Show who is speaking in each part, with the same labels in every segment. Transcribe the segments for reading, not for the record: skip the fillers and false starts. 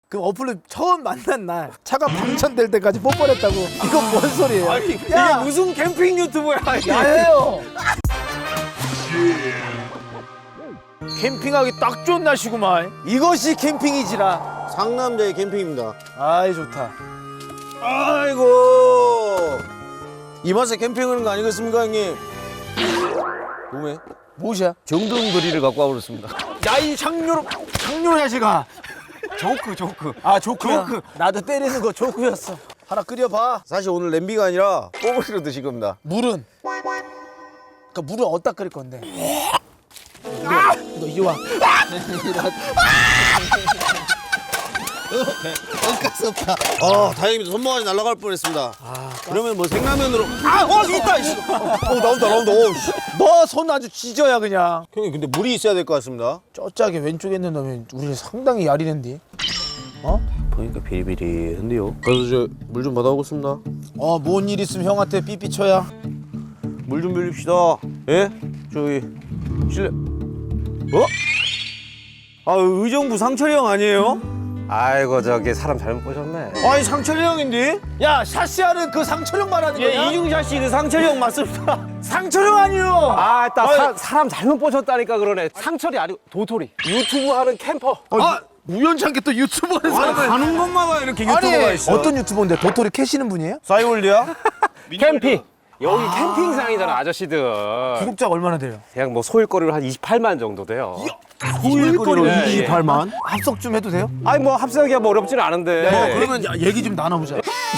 Speaker 1: 그럼 어플로 처음 만난 날 차가 방전될 때까지 뽀뽀를 했다고. 이건 뭔 소리예요?
Speaker 2: 아니, 이게
Speaker 1: 야!
Speaker 2: 무슨 캠핑 유튜브야?
Speaker 1: 야해요. 캠핑하기 딱 좋은 날씨구만. 이것이 캠핑이지라.
Speaker 3: 상남자의 캠핑입니다.
Speaker 1: 아이 좋다.
Speaker 3: 아이고 이 맛에 캠핑하는 거 아니겠습니까 형님? 뭐해?
Speaker 1: 무엇이야?
Speaker 2: 정동거리를 갖고 와버렸습니다.
Speaker 1: 야이 장료로 자식아.
Speaker 2: 조크.
Speaker 1: 아 조크야. 나도 때리는 거 조크였어. 하나 끓여봐.
Speaker 3: 사실 오늘 냄비가 아니라 뽀글이로 드실 겁니다.
Speaker 1: 물은? 그러니까 물은 어디다 끓일 건데? 너 이리 와.
Speaker 3: 다행입니다. 손모가지 날아갈 뻔했습니다. 그러면 뭐 생라면으로
Speaker 1: 있다.
Speaker 3: 나온다.
Speaker 1: 너 손 아주 찢어야 그냥.
Speaker 3: 형님 근데 물이 있어야 될 것 같습니다.
Speaker 1: 쩌짜게 왼쪽에 있는 놈이 우리 상당히 야리는데.
Speaker 3: 보니까 비리비리한데요. 그래서 저 물 좀 받아오겠습니다.
Speaker 1: 뭔 일 있으면 형한테 삐삐 쳐야.
Speaker 3: 물 좀 빌립시다. 예? 저기 실례. 의정부 상철이 형 아니에요?
Speaker 2: 아이고 저기 사람 잘못 보셨네.
Speaker 3: 아니 상철이 형인데?
Speaker 1: 야 샤시아는 그 상철형 말하는 거야?
Speaker 3: 이중자 씨 그 상철이 형 맞습니다.
Speaker 1: 상철형 아니요.
Speaker 2: 사람 잘못 보셨다니까 그러네. 상철이 아니고 도토리. 유튜브 하는 캠퍼.
Speaker 1: 우연찮게 또 유튜버 하는 사람을.
Speaker 3: 가는 곳마다 이렇게 유튜버가 있어.
Speaker 1: 어떤 유튜버인데 도토리 캐시는 분이에요?
Speaker 3: 싸이월드야?
Speaker 2: 캠핑. 여기 캠핑장이잖아 아저씨들.
Speaker 1: 구독자가 얼마나 돼요?
Speaker 2: 그냥 뭐 소일거리로 한 28만 정도 돼요.
Speaker 3: 소일거리로
Speaker 2: 예,
Speaker 3: 28만?
Speaker 1: 합석 좀 해도 돼요?
Speaker 2: 아니 뭐 합성하기가 뭐 어렵지는 않은데.
Speaker 1: 그러면 얘기 좀 나눠보자.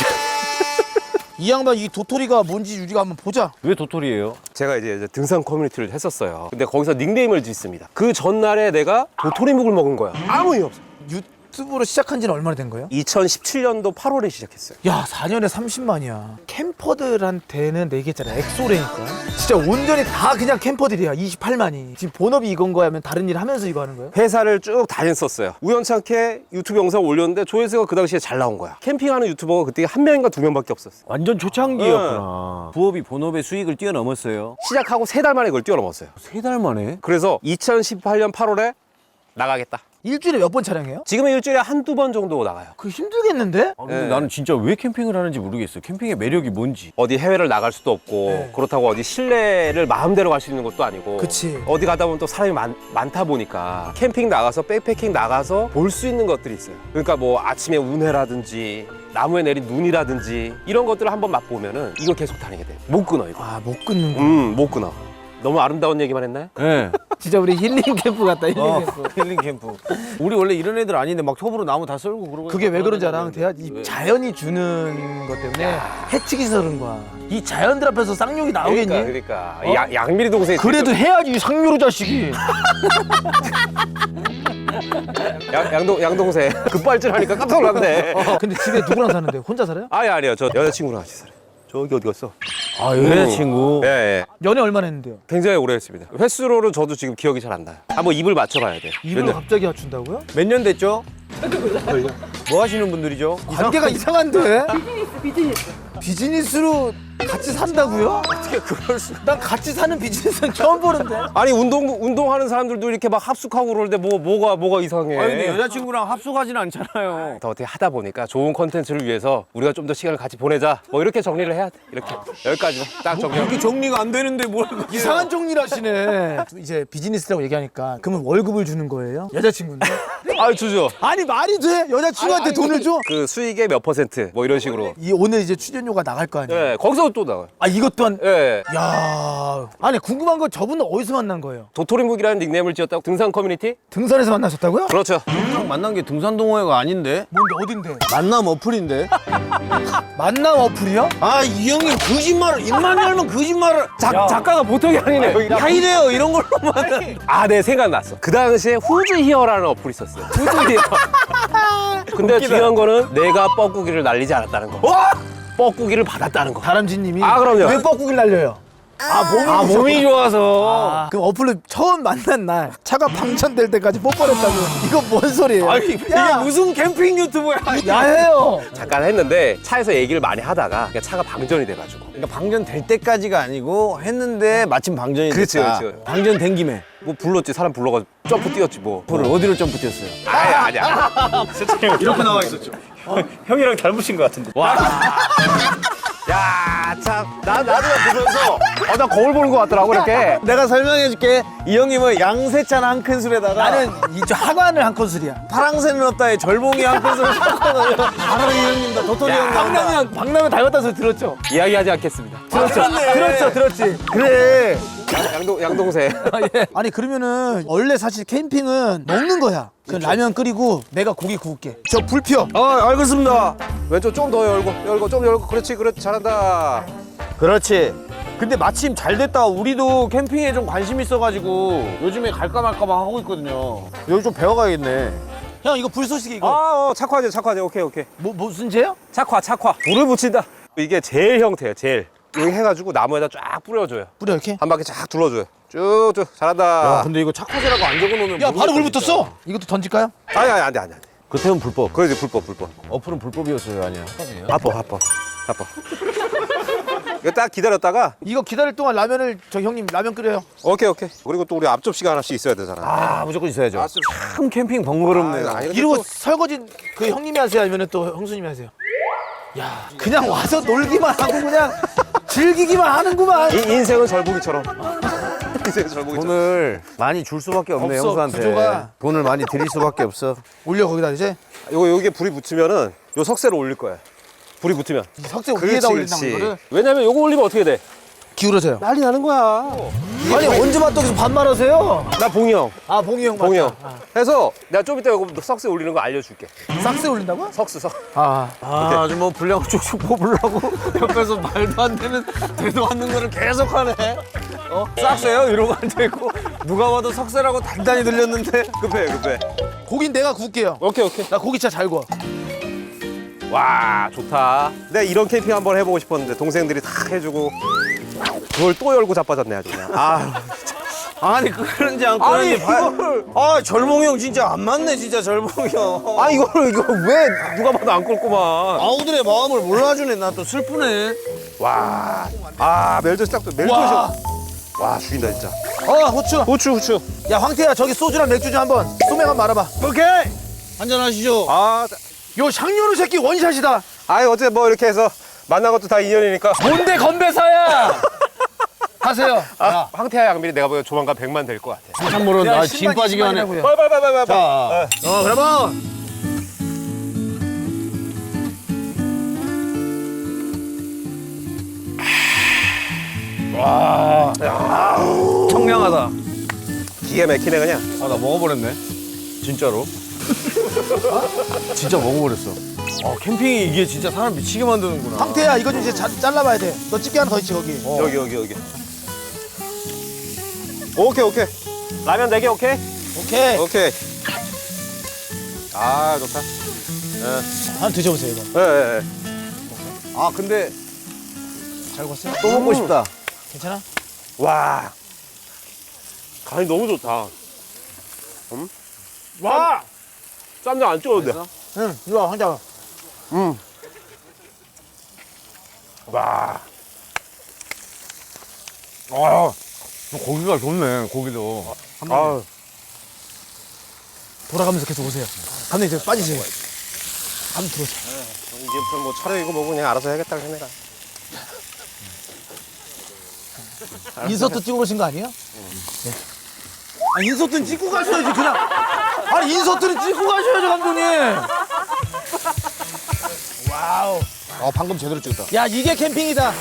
Speaker 1: 이 양반 이 도토리가 뭔지 우리가 한번 보자.
Speaker 2: 왜 도토리예요? 제가 이제 등산 커뮤니티를 했었어요. 근데 거기서 닉네임을 짓습니다. 그 전날에 내가 도토리묵을 먹은 거야. 아무 이유 없어.
Speaker 1: 유튜브로 시작한 지는 얼마나 된 거예요?
Speaker 2: 2017년도 8월에 시작했어요.
Speaker 1: 야 4년에 30만이야. 캠퍼들한테는 내 얘기했잖아. 엑소래니까. 진짜 온전히 다 그냥 캠퍼들이야. 28만이. 지금 본업이 이건 거야? 아니면 다른 일 하면서 이거 하는 거예요?
Speaker 2: 회사를 쭉 다녔었어요. 우연찮게 유튜브 영상 올렸는데 조회수가 그 당시에 잘 나온 거야. 캠핑하는 유튜버가 그때 한 명인가 두 명밖에 없었어.
Speaker 4: 완전 초창기였구나. 부업이 본업의 수익을 뛰어넘었어요.
Speaker 2: 시작하고 3달 만에 그걸 뛰어넘었어요.
Speaker 4: 3달 만에?
Speaker 2: 그래서 2018년 8월에 나가겠다.
Speaker 1: 일주일에 몇 번 촬영해요?
Speaker 2: 지금은 일주일에 한두 번 정도 나가요.
Speaker 1: 그거 힘들겠는데?
Speaker 4: 아, 근데
Speaker 2: 네.
Speaker 4: 나는 진짜 왜 캠핑을 하는지 모르겠어. 캠핑의 매력이 뭔지.
Speaker 2: 어디 해외를 나갈 수도 없고 그렇다고 어디 실내를 마음대로 갈 수 있는 것도 아니고
Speaker 1: 그치.
Speaker 2: 어디 가다 보면 또 사람이 많다 보니까 캠핑 나가서 백패킹 나가서 볼 수 있는 것들이 있어요. 그러니까 뭐 아침에 운해라든지 나무에 내린 눈이라든지 이런 것들을 한번 맛보면은 이거 계속 다니게 돼. 못 끊어 이거.
Speaker 1: 못 끊는 거.
Speaker 2: 못 끊어. 너무 아름다운 얘기만 했나요?
Speaker 4: 네.
Speaker 1: 진짜 우리 힐링 캠프 같다. 힐링 캠프.
Speaker 4: 힐링 캠프. 우리 원래 이런 애들 아닌데 막 톱으로 나무 다 썰고 그러고.
Speaker 1: 그게 왜 그런지 알아? 대야 이 자연이 주는 것 때문에 해치기서 그런 거야. 이 자연들 앞에서 쌍욕이 나오겠니?
Speaker 2: 그러니까. 양미리 동생이
Speaker 1: 그래도 해야지 이 상류로 자식이.
Speaker 2: 양동생 급발진하니까 깜짝 놀랐네.
Speaker 1: 근데 집에 누구랑 사는데? 혼자 살아요?
Speaker 2: 아니요. 저 여자친구랑 같이 살아요. 저기 어디 갔어?
Speaker 4: 아, 여자친구.
Speaker 2: 예.
Speaker 1: 연애 얼마나 했는데요?
Speaker 2: 굉장히 오래 했습니다. 횟수로는 저도 지금 기억이 잘 안 나요. 한번 입을 맞춰봐야 돼요.
Speaker 1: 입을 갑자기 맞춘다고요?
Speaker 4: 몇 년 됐죠? 뭐 하시는 분들이죠?
Speaker 1: 관계가 이상한데? 비즈니스로 같이 산다고요? 어떻게 그럴 수? 난 같이 사는 비즈니스는 처음 보는데.
Speaker 2: 아니 운동하는 사람들도 이렇게 막 합숙하고 그러는데 뭐가 이상해.
Speaker 4: 아니, 근데 여자친구랑 합숙하진 않잖아요.
Speaker 2: 더 어떻게 하다 보니까 좋은 컨텐츠를 위해서 우리가 좀 더 시간을 같이 보내자. 뭐 이렇게 정리를 해야 돼. 이렇게 여기까지 딱 정리.
Speaker 4: 이게 정리가 안 되는데 뭘.
Speaker 1: 이상한 종리를 하시네. 이제 비즈니스라고 얘기하니까 그러면 월급을 주는 거예요? 여자친구인데?
Speaker 2: 주죠.
Speaker 1: 아니 말이 돼? 여자친구한테 돈을 줘?
Speaker 2: 그 수익의 몇 퍼센트 뭐 이런 식으로.
Speaker 1: 이 오늘 이제 출연료가 나갈 거 아니에요?
Speaker 2: 예, 거기서 또 나가요.
Speaker 1: 아 이것 또한
Speaker 2: 예.
Speaker 1: 야 아니 궁금한 건 저분은 어디서 만난 거예요?
Speaker 2: 도토리묵이라는 닉네임을 지었다고 등산 커뮤니티?
Speaker 1: 등산에서 만나셨다고요?
Speaker 2: 그렇죠.
Speaker 4: 만난 게 등산동호회가 아닌데?
Speaker 1: 뭔데 어딘데?
Speaker 3: 만남 어플인데?
Speaker 1: 만남 어플이요?
Speaker 3: 이 형님 거짓말을 입만 열면 거짓말을
Speaker 2: 작가가 보통이 아니네.
Speaker 3: 하이래요 이런 걸로만.
Speaker 2: 네, 생각났어. 그 당시에 후즈 히어라는 어플이 있었어요. 후즈 히어. 근데 중요한 거는 내가 뻐꾸기를 날리지 않았다는 거. 뻐꾸기를 받았다는 거.
Speaker 1: 다람쥐님이
Speaker 2: 그럼요.
Speaker 1: 왜 뻐꾸기를 날려요?
Speaker 4: 몸이 좋아서.
Speaker 1: 그럼 어플로 처음 만난 날 차가 방전될 때까지 뽀뽀를 했다고. 이건 뭔 소리예요?
Speaker 2: 아니, 이게
Speaker 3: 무슨 캠핑 유튜브야?
Speaker 1: 야해요.
Speaker 2: 잠깐 했는데 차에서 얘기를 많이 하다가 그냥 차가 방전이 돼가지고.
Speaker 3: 그러니까 방전 될 때까지가 아니고 했는데 마침 방전이
Speaker 2: 그렇지,
Speaker 3: 됐다.
Speaker 2: 그렇지.
Speaker 3: 방전 된 김에.
Speaker 2: 뭐 불렀지, 사람 불러가지고 점프 뛰었지 뭐.
Speaker 4: 그걸 어디로 점프 뛰었어요?
Speaker 2: 아니야.
Speaker 3: 이렇게 나와 있었죠.
Speaker 5: 형이랑 닮으신 것 같은데.
Speaker 2: 야, 참. 나도 보면서 나 거울 보는 것 같더라고 이렇게.
Speaker 3: 내가 설명해줄게. 이 형님은 양세찬 한 큰술에다가
Speaker 1: 나는 이저 하관을 한 큰술이야.
Speaker 3: 파랑새 넣었다에 절봉이 한 큰술을 섞어놓으면 바로 이 형님 다 도토리 형 나온다.
Speaker 1: 박남현 닮았다는 소리 들었죠?
Speaker 2: 이야기하지 않겠습니다.
Speaker 1: 들었지. 그래.
Speaker 2: 양동생.
Speaker 1: 아니 그러면은 원래 사실 캠핑은 먹는 거야. 그 라면 끓이고 내가 고기 구울게. 저 불 피워.
Speaker 3: 알겠습니다.
Speaker 2: 왼쪽 좀 더 열고 좀 열고. 그렇지 잘한다.
Speaker 3: 그렇지. 근데 마침 잘 됐다. 우리도 캠핑에 좀 관심 있어가지고 요즘에 갈까 말까만 하고 있거든요. 여기 좀 배워가야겠네.
Speaker 1: 형 이거 불쏘시개 이거
Speaker 2: 착화제. 오케이.
Speaker 1: 무슨 죄야?
Speaker 2: 착화. 불을 붙인다. 이게 제일 형태예요, 제일. 여기 해가지고 나무에다 쫙 뿌려줘요.
Speaker 1: 뿌려 이렇게.
Speaker 2: 한 바퀴 쫙 둘러줘요. 쭉쭉 잘한다.
Speaker 3: 근데 이거 착화제라고 안 적어놓으면
Speaker 1: 야 바로 물
Speaker 3: 모르겠다,
Speaker 1: 붙었어. 이것도 던질까요?
Speaker 2: 아니 안 돼.
Speaker 4: 그태훈 불법.
Speaker 2: 그러지 불법.
Speaker 4: 어플은 불법이었어요, 아니야?
Speaker 2: 바빠. 이거 딱 기다렸다가
Speaker 1: 이거 기다릴 동안 라면을 저 형님 라면 끓여요.
Speaker 2: 오케이. 그리고 또 우리 앞접시가 하나씩 있어야 되잖아.
Speaker 4: 아, 무조건 있어야죠.
Speaker 2: 앞접시.
Speaker 4: 참 캠핑 번거롭네요.
Speaker 1: 이러고 설거지 그 형님이 하세요 아니면 또 형수님이 하세요? 야 그냥 와서 놀기만 하고 그냥 즐기기만 하는구만.
Speaker 2: 인생은 절보기처럼. 인생은 절보기처럼.
Speaker 4: 돈을 많이 줄 수밖에 없네,
Speaker 1: 없어,
Speaker 4: 형수한테.
Speaker 1: 구조가.
Speaker 4: 돈을 많이 드릴 수밖에 없어.
Speaker 1: 올려 거기다 이제
Speaker 2: 요게 불이 붙으면은 요 석쇠를 올릴 거야. 불이 붙으면.
Speaker 1: 석쇠 위에다 올린다는 거를
Speaker 2: 왜냐면 요거 올리면 어떻게 돼?
Speaker 1: 기울어져요.
Speaker 2: 난리 나는 거야.
Speaker 1: 아니 언제 봤다고 반말하세요?
Speaker 2: 나 봉이 형.
Speaker 1: 아 봉이 형 맞다.
Speaker 2: 봉이 형. 해서 내가 좀 이따 요거 석쇠 올리는 거 알려줄게.
Speaker 1: 싹스 올린다고?
Speaker 2: 석쇠.
Speaker 1: 아
Speaker 3: 아주 뭐 분량 쭉쭉 뽑으려고 옆에서 말도 안 되는 되도 않는 거를 계속 하네. 싹세요? 이러고 앉아있고 누가 봐도 석쇠라고 단단히 들렸는데.
Speaker 2: 급해.
Speaker 1: 고긴 내가 구울게요.
Speaker 2: 오케이.
Speaker 1: 나 고기 진짜 잘 구워.
Speaker 2: 와 좋다. 내가 이런 캠핑 한번 해보고 싶었는데 동생들이 다 해주고 그걸 또 열고 자빠졌네 아주 그냥.
Speaker 3: 아니 끄는지 안
Speaker 2: 아니,
Speaker 3: 끄는지 아 절봉이 형 진짜 안 맞네 진짜 절봉이 형.
Speaker 2: 이거 왜 누가 봐도 안 끓구만.
Speaker 3: 아우들의 마음을 몰라주네. 나 또 슬프네.
Speaker 2: 와. 멜젓 딱 멜젓이. 와 죽인다 진짜.
Speaker 1: 후추.
Speaker 2: 후추.
Speaker 1: 야 황태야 저기 소주랑 맥주 좀 한번 소맥 한번 말아봐.
Speaker 3: 오케이. 한잔하시죠.
Speaker 1: 요 샹요르 새끼 원샷이다.
Speaker 2: 어제 뭐 이렇게 해서 만난 것도 다 인연이니까.
Speaker 1: 뭔데 건배사야. 하세요.
Speaker 2: 황태하 양미리 내가 보기엔 조만간 100만 될 것 같아.
Speaker 3: 참고로 나 진 빠지게 하네.
Speaker 2: 빨리.
Speaker 3: 자, 그러면 청량하다.
Speaker 2: 기가 막히네 그냥.
Speaker 3: 나 먹어버렸네. 진짜로. 진짜 먹어버렸어. 캠핑이 이게 진짜 사람 미치게 만드는구나.
Speaker 1: 황태야 이거 좀 이제 잘라봐야 돼. 너 집게 하나 더 있지 거기.
Speaker 2: 여기. 오케이. 라면 4개 오케이?
Speaker 1: 오케이.
Speaker 2: 좋다.
Speaker 1: 한번 드셔보세요 이거.
Speaker 2: 예.
Speaker 3: 근데
Speaker 1: 잘 구웠어요?
Speaker 3: 또 먹고 싶다.
Speaker 1: 괜찮아?
Speaker 2: 와. 간이 너무 좋다. 와! 쌈장 안 찍어도 돼.
Speaker 1: 응. 이리 와 황태야.
Speaker 2: 와.
Speaker 3: 고기가 좋네, 고기도.
Speaker 1: 돌아가면서 계속 오세요. 감독님 이제 빠지세요. 한번 들어오세요.
Speaker 2: 이제부터 뭐 차라리 이거 먹고 그냥 알아서 해야겠다 해내라.
Speaker 1: 인서트 찍어 오신 거 아니에요? 네. 인서트는 찍고 가셔야지 그냥. 인서트는 찍고 가셔야죠 감독님. 와우.
Speaker 3: 방금 제대로 찍었다.
Speaker 1: 야 이게 캠핑이다.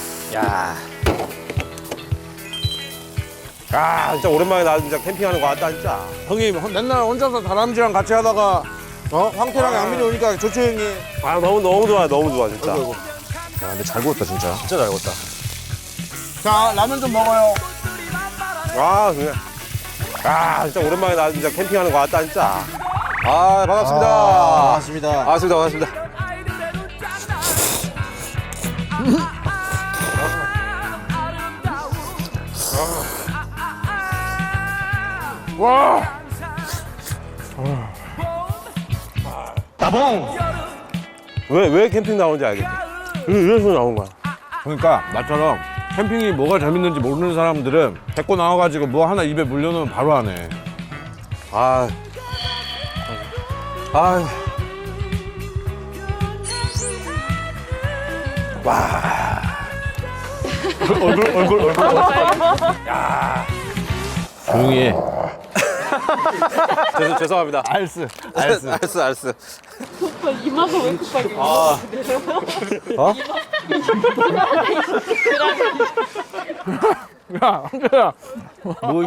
Speaker 2: 진짜 오랜만에 나 진짜 캠핑하는 거 같다 진짜.
Speaker 3: 형님, 맨날 혼자서 다람쥐랑 같이 하다가, 황태랑 양민이 오니까 좋죠, 형님.
Speaker 2: 너무 좋아 진짜.
Speaker 3: 근데 잘 구웠다, 진짜. 진짜 잘 구웠다. 자, 라면 좀 먹어요.
Speaker 2: 그냥. 진짜 오랜만에 나 진짜 캠핑하는 거 같다 진짜. 반갑습니다. 반갑습니다. 와.
Speaker 3: 따봉!
Speaker 2: 왜 캠핑 나오는지 알겠지? 이래서 나온 거야.
Speaker 3: 그러니까, 나처럼 캠핑이 뭐가 재밌는지 모르는 사람들은 데리고 나와가지고 뭐 하나 입에 물려놓으면 바로 하네.
Speaker 2: 아, 아,
Speaker 5: 얼굴.
Speaker 3: 조용히 해.
Speaker 2: 죄송합니다.
Speaker 3: 알스.
Speaker 2: 알았어.
Speaker 6: 오빠 이마가 왜 급하게
Speaker 3: 야, 한재야. 뭐,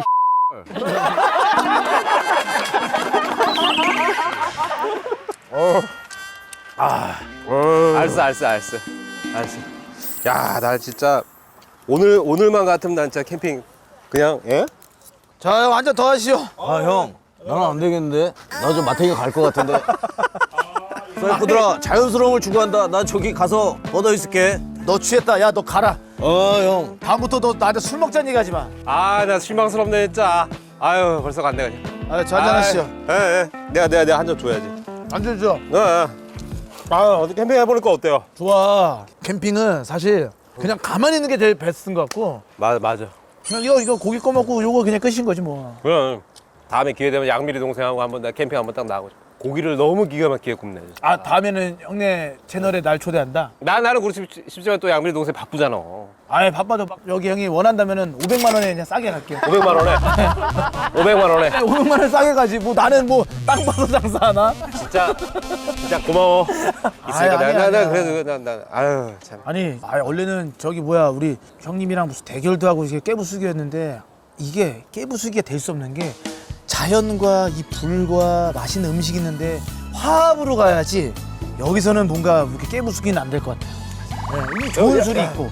Speaker 2: 알았어. 야, 나 진짜 오늘만 같으면 난 진짜 캠핑 그냥
Speaker 1: 자, 형, 한잔 더 하시오.
Speaker 3: 아, 형. 나는 안 되겠는데? 나 좀 마탱이 갈 것 같은데? 셀프들아, 자연스러움을 추구한다. 나 저기 가서 뻗어 있을게.
Speaker 1: 너 취했다. 야, 너 가라.
Speaker 3: 형.
Speaker 1: 다음부터 너 나한테 술 먹자는 얘기 하지 마.
Speaker 2: 아, 나 실망스럽네 진짜. 아유, 벌써 갔네 그냥.
Speaker 1: 아, 저 한잔 하시오.
Speaker 2: 예. 내가 한 잔 줘야지.
Speaker 1: 안주 줘.
Speaker 2: 아, 어디 캠핑 해보니까 어때요?
Speaker 1: 좋아. 캠핑은 사실 그냥 가만히 있는 게 제일 베스트인 것 같고
Speaker 2: 맞아.
Speaker 1: 그냥 이거 고기 꺼 먹고 요거 그냥 끝인 거지 뭐.
Speaker 2: 그럼 다음에 기회 되면 양미리 동생하고 한번 나 캠핑 한번 딱 나가고 고기를 너무 기가 막히게 굽네.
Speaker 1: 아, 다음에는 형네 채널에 날 초대한다.
Speaker 2: 나는 그렇지 싶지만 또 양미리 동생 바쁘잖아.
Speaker 1: 아예 바빠도 여기 형이 원한다면은 500만 원에 그냥 싸게 갈게.
Speaker 2: 500만 원에. 500만 원에.
Speaker 1: 500만 원 싸게 가지. 뭐 나는 뭐 땅 파서 장사하나?
Speaker 2: 진짜 고마워. 있으니까
Speaker 1: 아니야.
Speaker 2: 나 그래도 나 아유 참.
Speaker 1: 아니, 원래는 저기 뭐야 우리 형님이랑 무슨 대결도 하고 이게 깨부수기였는데 이게 깨부수기가 될 수 없는 게 자연과 이 불과 맛있는 음식이 있는데 화합으로 가야지 여기서는 뭔가 이렇게 깨부수기는 안 될 것 같아요. 네, 이 좋은 술이 있고,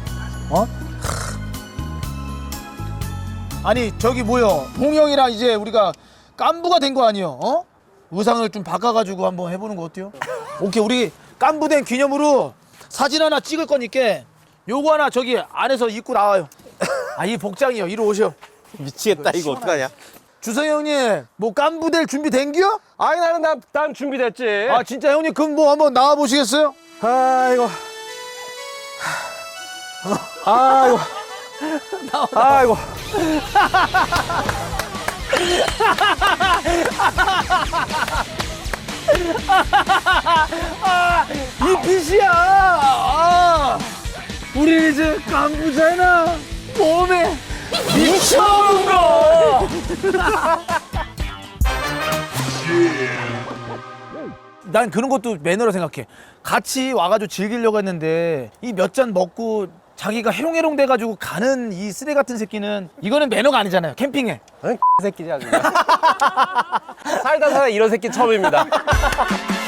Speaker 1: 아니 저기 뭐요? 봉형이랑 이제 우리가 깐부가 된 거 아니요? 의상을 좀 바꿔가지고 한번 해보는 거 어때요? 오케이, 우리 깐부된 기념으로 사진 하나 찍을 거니까 요거 하나 저기 안에서 입고 나와요. 아, 이 복장이요. 이리 오셔.
Speaker 2: 미치겠다 이거 어떡하냐?
Speaker 1: 주성이 형님, 뭐 깐부될 준비 된겨?
Speaker 2: 아니 난 준비됐지.
Speaker 1: 아, 진짜 형님 그럼 뭐 한번 나와 보시겠어요?
Speaker 2: 아이고. 아이고. 아이고.
Speaker 1: 이 빛이야. 우리 이제 깐부잖아. 몸에 미쳐온 거. 난 그런 것도 매너라 생각해. 같이 와가지고 즐기려고 했는데 이 몇 잔 먹고 자기가 해롱해롱 돼가지고 가는 이 쓰레 같은 새끼는 이거는 매너가 아니잖아요. 캠핑에.
Speaker 2: 새끼지 아주. 살다 이런 새끼 처음입니다.